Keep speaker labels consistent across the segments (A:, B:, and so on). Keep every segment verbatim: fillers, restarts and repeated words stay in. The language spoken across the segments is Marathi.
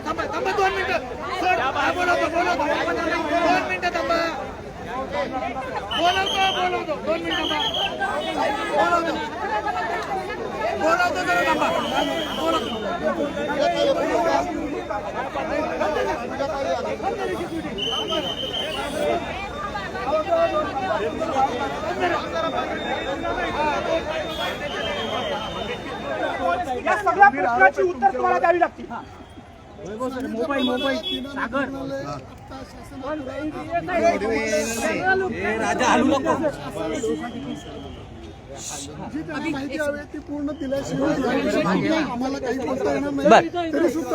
A: थांबा थांबा दोन मिनिटं सर बोलवतो बोलवतो दोन मिनिटं थांबा बोलवतो बोलवतो दोन मिनिटं बोलवतो बोलवतो जरा थांबा बोलवतो
B: या सगळ्या प्रश्नाची उत्तर तुम्हाला द्यावी लागतील.
C: मोबाईल मोबाईल सागर राजा हलू नको.
D: जी त्यांना माहिती हवी ती पूर्ण दिल्याशिवाय आम्हाला काही बोलता येणार नाही. तरी सुद्धा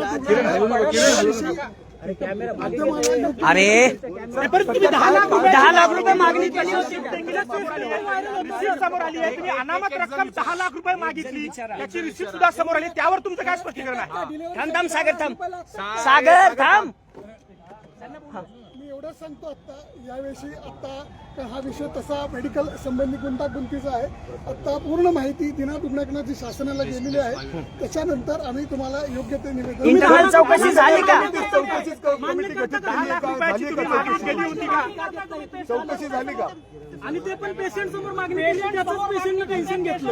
C: अरे
B: तुम्ही दहा लाख दहा लाख रुपये मागणी केली होती. समोर आली आहे. तुम्ही अनामत रक्कम दहा लाख रुपये मागितली त्याची रिसिप्ट सुद्धा समोर आली. त्यावर तुमचं काय स्पष्टीकरण आहे?
C: थांब थांब सागर थांब सागर थांब.
D: मी एवढंच सांगतो आता याविषयी आता हा विषय तसा मेडिकल संबंधी गुंतागुंतीचा आहे. आता पूर्ण माहिती दिना दुर्नाकनाची शासनाला गेलेली आहे. त्याच्यानंतर आम्ही तुम्हाला योग्य ते निवेदन
C: इंटरनल चौकशी झाली का?
D: चौकशी झाली का?
B: आणि ते पण पेशंट समोर मागणी केली. त्याचंच पेशंटनं टेन्शन घेतलं.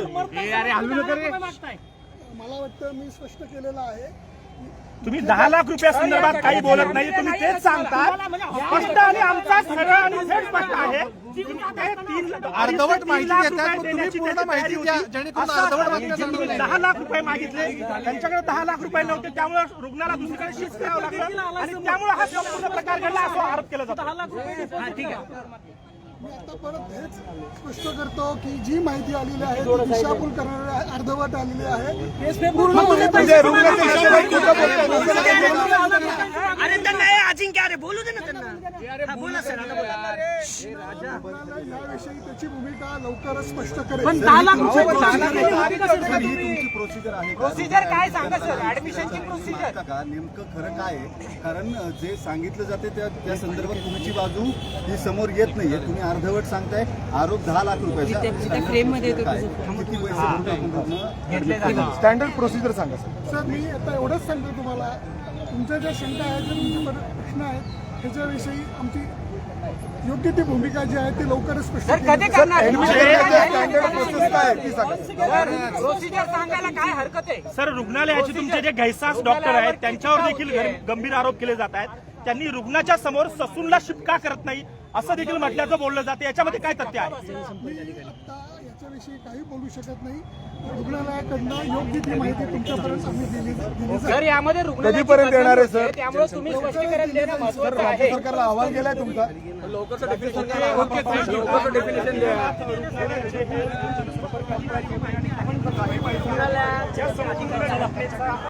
D: मला वाटतं मी स्पष्ट केलेलं आहे.
B: तुम्ही दहा लाख रुपया संदर्भात काही बोलत नाही. तुम्ही तेच सांगता स्पष्ट आणि आमचा सरळ आणि थेट स्पष्ट आहे. अर्धवट माहिती देतात तुम्ही पूर्ण माहिती द्या जेणेकरून अर्धवट माहिती. दहा लाख रुपये मागितले त्यांच्याकडे दहा लाख रुपये नव्हते त्यामुळे रुग्णाला दुसरीकडे शिफ्ट करावं लागलं आणि त्यामुळे हा संपूर्ण प्रकार घडला असा आरोप केला जातो. ठीक आहे.
D: मी आता परत हेच स्पष्ट करतो की जी माहिती आलेली आहे ती दिशाभूल करणारी आहे, अर्धवट आलेली आहे.
C: अरे त्यांना अजिंक्य अरे बोलू दे ना त्यांना. बोला सर
D: याविषयी त्याची भूमिका लवकरच स्पष्ट करेल.
E: प्रोसिजर आहे
B: प्रोसिजर काय सांगा सर? ऍडमिशनची प्रोसिजर
E: का नेमकं खरं काय आहे? कारण जे सांगितलं जाते त्या त्या संदर्भात तुमची बाजू ही समोर येत नाहीये. तुम्ही अर्धवट सांगताय. आरोप दहा लाख रुपयाचा किती पैसे
D: स्टँडर्ड प्रोसिजर सांगा सर. मी आता एवढंच सांगतो तुम्हाला तुमच्या ज्या शंका आहेत ज्या तुमचे प्रश्न आहेत त्याच्याविषयी आमची योग्य ती भूमिका जी आहे ती लवकरच स्पष्ट
B: कधी करणार?
C: प्रोसिजर सांगायला काय हरकत आहे?
B: सर रुग्णालयाचे तुमचे जे घैसास डॉक्टर आहेत त्यांच्यावर देखील गंभीर आरोप केले जात आहेत. त्यांनी रुग्णाच्या समोर ससूनला शिफ्ट का करत नाही असं देखील म्हटल्याचं बोललं जातं. याच्यामध्ये काय तथ्य आहे?
D: मी आता याच्याविषयी काही बोलू शकत नाही. रुग्णालयाकडनं योग्य ती माहिती तुमच्यापर्यंत आम्ही दिली दिली
B: सर यामध्ये
D: कधीपर्यंत येणार आहे सर?
B: त्यामुळे तुम्ही स्पष्टीकरण देणं महत्त्वाचं आहे.
D: सरकारला अहवाल गेलाय तुमचा.
B: डेफिनेशन